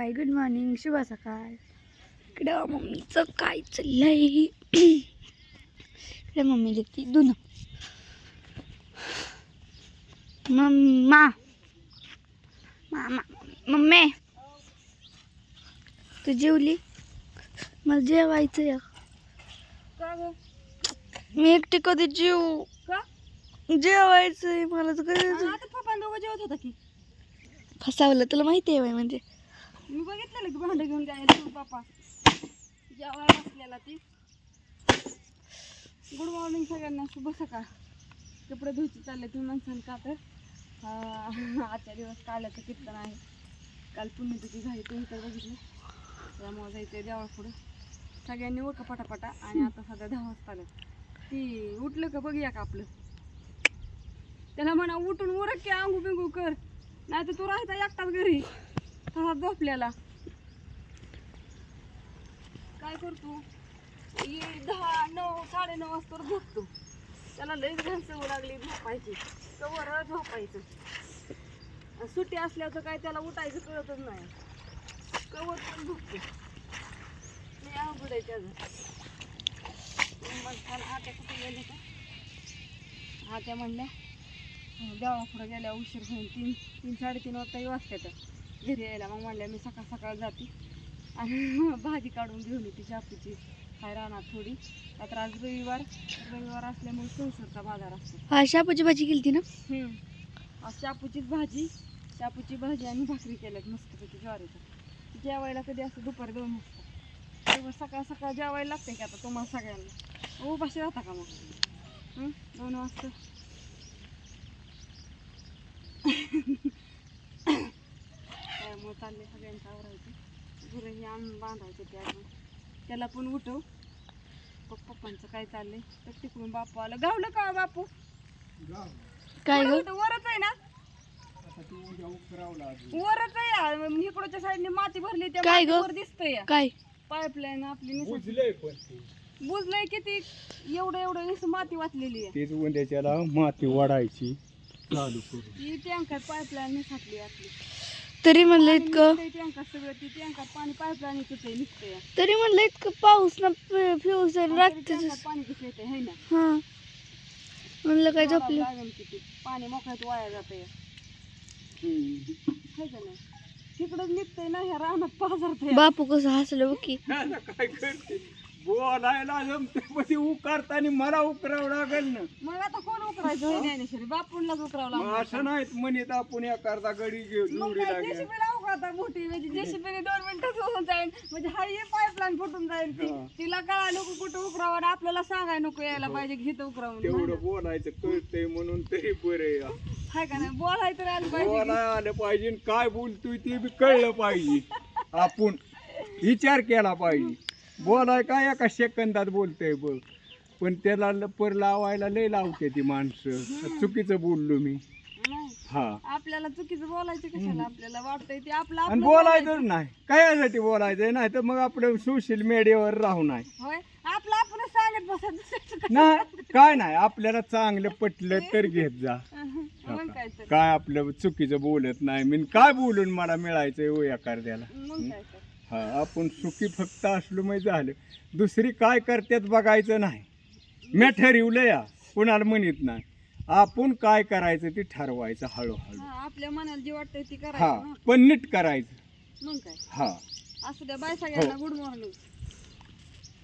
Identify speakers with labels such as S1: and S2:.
S1: Hi good morning, शुभ सकाळ. इकडं मम्मीचं काय चाललंय? इकडे मम्मी लिखती दुन मम्मा मामा मम्मी तू जेवली? मला जेवायचं. मी एकटी कधी जेवू? जेवायचंय मला तर जेवत होता की फसावलं. तुला माहिती आहे म्हणजे
S2: मी बघितलेलं की भांडं घेऊन जायला पापा जेवायला बसलेला ती. गुड मॉर्निंग सगळ्यांना, शुभ सकाळ. कपडे धुयचे चालले तुम्ही माणसाने का तर आजच्या दिवस काल्याचं कीर्तन आहे. काल पुण्यतिथी झाली तुम्ही तर बघितलं, त्यामुळे जायचं देवाळ पुढं. सगळ्यांनी उरका पटापटा. आणि आता सध्या 10 वाजता आलं. ती उठलं का बघूया का आपलं, त्याला म्हणा उठून उरक की आंघू बिंगू कर, नाही तर तू राहायचा एकटाच घरी तसा झोपलेला. काय करतो 10, 9, 9:30 वाजता झोपतो. त्याला लईच घाण सवय लागली झोपायची, कवर झोपायचं. सुट्टी असल्यावर काय त्याला उठायचं कळतच नाही, कवर पण झोपतो. मी अवघड आहे त्याचं. आत्या कुठे गेले का? आत्या म्हणल्या देवा पुढे गेल्या उशीर होईल, 3, 3:30 वाजता वाजतात घरी यायला. मग म्हणल्या मी सकाळ सकाळ जाते आणि भाजी काढून घेऊन येते शापूची. काय राहणार थोडी, आता आज रविवार असल्यामुळे संसारचा बाजार असतो.
S1: हा शापूची भाजी केली ना?
S2: आज शापूची भाजी आणि भाकरी केल्यात मस्तपैकी ज्वारीचं. जेवायला कधी असं दुपारी 2 वाजता. तेव्हा सकाळ सकाळ जेवायला लागते की आता तुम्हाला सगळ्यांना. उपाशी राहता का मग 2 वाजता? त्यामुळे चालले सगळ्यांचं आवरायचं. गुरंही आणून बांधायचे ते अजून. त्याला पण उठव. पप्पांचं काय चाललंय तर तिकडून बापू आलं. गावलं का बापू?
S1: काय ग?
S2: वरच आहे ना? वरच आहे. इकडच्या साईडने माती भरली त्या वर दिसतंय.
S1: काय
S2: पाईपलाईन आपली बुजलंय किती, एवढं माती वाचलेली आहे.
S3: तेच उद्याच्याला माती वाढायची चालू करू.
S2: ती टँकर पाईपलाईन निसटली आपली.
S1: तरी म्हणलं इतकं
S2: टँकर सगळं ती टँकर पाणी पाईपलाईन निघतंय.
S1: तरी म्हणलं इतकं पाऊस ना फ्यूज रात्री
S2: पाणी कसं येते है ना?
S1: हा म्हणलं काय झोपलं
S2: लागेल किती पाणी मोकळ्यात वाया जातंय है का नाही? तिकडच निघतंय ना, ह्या रानात पाझरतंय.
S1: बापू कसं हसलं बघ की.
S3: काय करते बोलायला जमते पण उकारताना मला उकरावं लागेल ना.
S2: मग आता कोण उकरायचं? ज्ञानेश्वरी बापूंलाच उकरावं लागलं.
S3: असं नाहीत म्हणत आपण एखादा गडी जोडी लागेल.
S2: जेसीबीला उकरता मोठी, म्हणजे जेसीबीने 2 मिनिटात होऊन जाईल, म्हणजे हा ये पाईपलाईन फुटून जाईल. तिला कळा नको कुठं उकरावं, आणि आपल्याला सांगाय नको यायला पाहिजे घेत उकरावून.
S3: तेवढं बोलायचं कळतंय म्हणून तरी बरे
S2: हाय का नाही? बोलायचं तर आलं पाहिजे.
S3: बोलायला आलं पाहिजे, काय बोलतोय ते बी कळलं पाहिजे. आपण विचार केला पाहिजे. बोलाय काय एका सेकंदात बोलतोय बघ, पण त्याला पर लावायला लय लावते ती माणसं. चुकीचं बोललो मी. हा
S2: आपल्याला चुकीचं बोलायचं कशाला? आपल्याला वाटतंय ते आपलं
S3: आणि बोलायचं नाही काय बोलायचं नाही तर मग आपलं सोशल मीडियावर राहू नाही.
S2: होय आपलं आपणच सांगत बसायचं
S3: नाही काय नाही, आपल्याला चांगलं पटलं तर घेत जा.
S2: मग काय तर.
S3: काय आपलं चुकीचं बोलत नाही मी, काय बोलून मला मिळायचंय हो एखाद्याला.
S2: मग काय तर.
S3: हा आपण सुखी फक्त असलो माहिती झालं, दुसरी काय करतात बघायचं नाही. मी ठरवलं या, कुणाला म्हणत नाही. आपण काय करायचं ते ठरवायचं हळूहळू.
S2: आपल्या मनाला जे वाटतंय ते
S3: हा
S2: करायचं.
S3: पण नीट करायचं.
S2: मग काय.
S3: हा
S2: असू द्या. बाय सगळ्यांना. Good morning.